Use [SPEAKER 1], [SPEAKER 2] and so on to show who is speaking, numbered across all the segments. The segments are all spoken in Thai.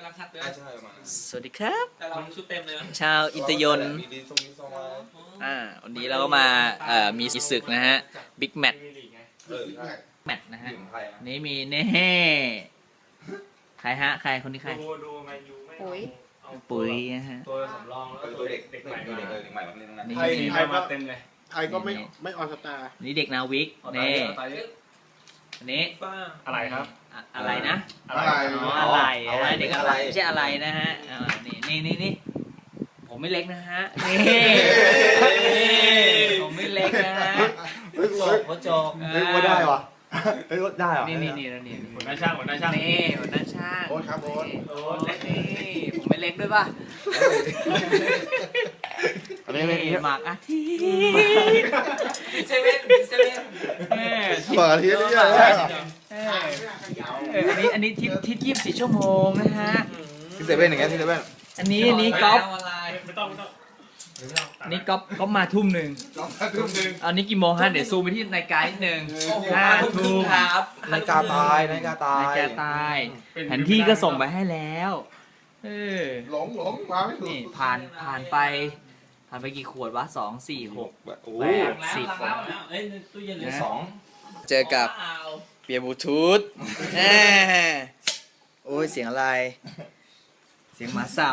[SPEAKER 1] การคัดด้วย
[SPEAKER 2] ใช่ประมาณนั้น
[SPEAKER 3] สวัสดีครับ
[SPEAKER 1] แต่เราชุดเต็มเลยนะ
[SPEAKER 3] ชาวอิตยนต์
[SPEAKER 2] มีดีทรงนี้ทรงมา
[SPEAKER 3] วันนี้เราก็มามีศึกนะฮะบิ๊กแมตช์
[SPEAKER 2] ใช่
[SPEAKER 3] แมตช์นะฮะ
[SPEAKER 2] ถึงไทย
[SPEAKER 3] นี่มีเน่ใครฮะใครคนนี้ใคร
[SPEAKER 4] ดูแมนยูไม่
[SPEAKER 5] ปุ๋ย
[SPEAKER 4] เอา
[SPEAKER 3] ปุ๋ยนะฮะ
[SPEAKER 4] ตัวสำรองแล้ว
[SPEAKER 2] ตัวเด็ก
[SPEAKER 4] เด็ก
[SPEAKER 2] ให
[SPEAKER 4] ให
[SPEAKER 2] ม่
[SPEAKER 4] ม่
[SPEAKER 2] เด็กใหม่แบบนี้ทั้งนั้น
[SPEAKER 3] นี่
[SPEAKER 4] ไทยมาเต็มเลย
[SPEAKER 6] ไทยก็ไม่ออนสตาร์
[SPEAKER 3] นี่เด็กนาวิก
[SPEAKER 4] เอา
[SPEAKER 3] นี่
[SPEAKER 4] ตายเยอะ
[SPEAKER 3] อันนี้
[SPEAKER 1] ฟ้า
[SPEAKER 4] อะไรครับ
[SPEAKER 3] อะไรนะ
[SPEAKER 4] อะไร
[SPEAKER 3] อ๋ออะไรนะเด็กอะไรไม่ใช่อะไรนะฮะนี่ผมไม่เล็กนะฮะนี่ผมไม่เล็กนะฮะ
[SPEAKER 1] หัวโจก
[SPEAKER 2] เฮ้ยว่าได้วะเฮ้ยได้เหรอ
[SPEAKER 3] นี่
[SPEAKER 4] หัวหน้าช่างหัวหน้าช่าง
[SPEAKER 3] นี่หัวหน้าช่าง
[SPEAKER 6] โอ๊ตครับโอ๊ต
[SPEAKER 3] โอ้นี่ผมไม่เล็กด้วยป่ะ
[SPEAKER 2] อันนี้ไม่
[SPEAKER 3] หมากอาทิตย์
[SPEAKER 1] เซเว่น
[SPEAKER 2] เปิดทีนี้เลย
[SPEAKER 3] อันนี้ทิป24 ชั่วโมงนะฮะ
[SPEAKER 2] ที่เซเว่นอย่างเงี้ยที่เซเว่น
[SPEAKER 3] อันนี้ก๊อฟ
[SPEAKER 4] ไม่ต้อง
[SPEAKER 3] อันนี้ก๊อฟมาทุ่มหนึ่งอันนี้กี่โมงฮะเดี๋ยวซูมไปที่นาฬิกานิดนึง
[SPEAKER 1] โอ้โหมาทุกทุ่มครับ
[SPEAKER 2] นาฬิกาตายนาฬิกาตาย
[SPEAKER 3] นาฬิกาตายแผนที่ก็ส่งไปให้แล้ว
[SPEAKER 6] หลงมาไม่ถูก
[SPEAKER 3] นี่ผ่านไปกี่ขวดวะ2 4 6
[SPEAKER 2] โอ้
[SPEAKER 3] แปด
[SPEAKER 1] 10แล้วเอ้ยตู้เย็นเหลือ
[SPEAKER 2] สอง
[SPEAKER 3] เจอกับเปียบลูทูธโอ้ยเสียงอะไร เสียงหมาสับ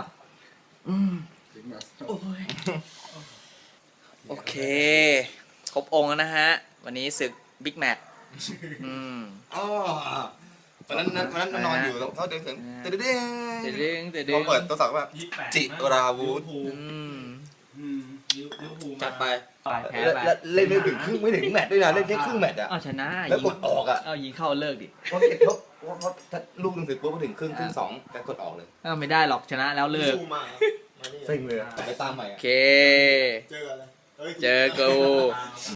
[SPEAKER 3] โอเคครบองค์แล้วนะฮะ วันนี้ศึกบิ๊กแมตช์
[SPEAKER 2] อ๋อวันนั้นนอนอยู่เขาเดินถึงตึ๊ด
[SPEAKER 3] เดี๋ยวดึง
[SPEAKER 2] เขาเปิดตัวสักว่า
[SPEAKER 4] 28
[SPEAKER 2] จิราวุธ
[SPEAKER 3] จัดไปแพ้ไป
[SPEAKER 2] เล่นไม่ถึงครึ่งไม่ถึงแมตช์ด้วยนะเล่นแค่ครึ่งแมตช์อะ
[SPEAKER 3] เอาชนะ
[SPEAKER 2] แล้วกดออกอะ
[SPEAKER 3] เอายิงเข้าเลิกดิ
[SPEAKER 2] เพราะลูกหนึ่งถึงปุ๊บพอถึงครึ่งสองแต่กดออกเลย
[SPEAKER 3] ไม่ได้หรอกชนะแล้วเลิก
[SPEAKER 2] เซ็งเลยไปตามใหม่
[SPEAKER 3] โอเค
[SPEAKER 6] เจออะไร
[SPEAKER 3] เจอกู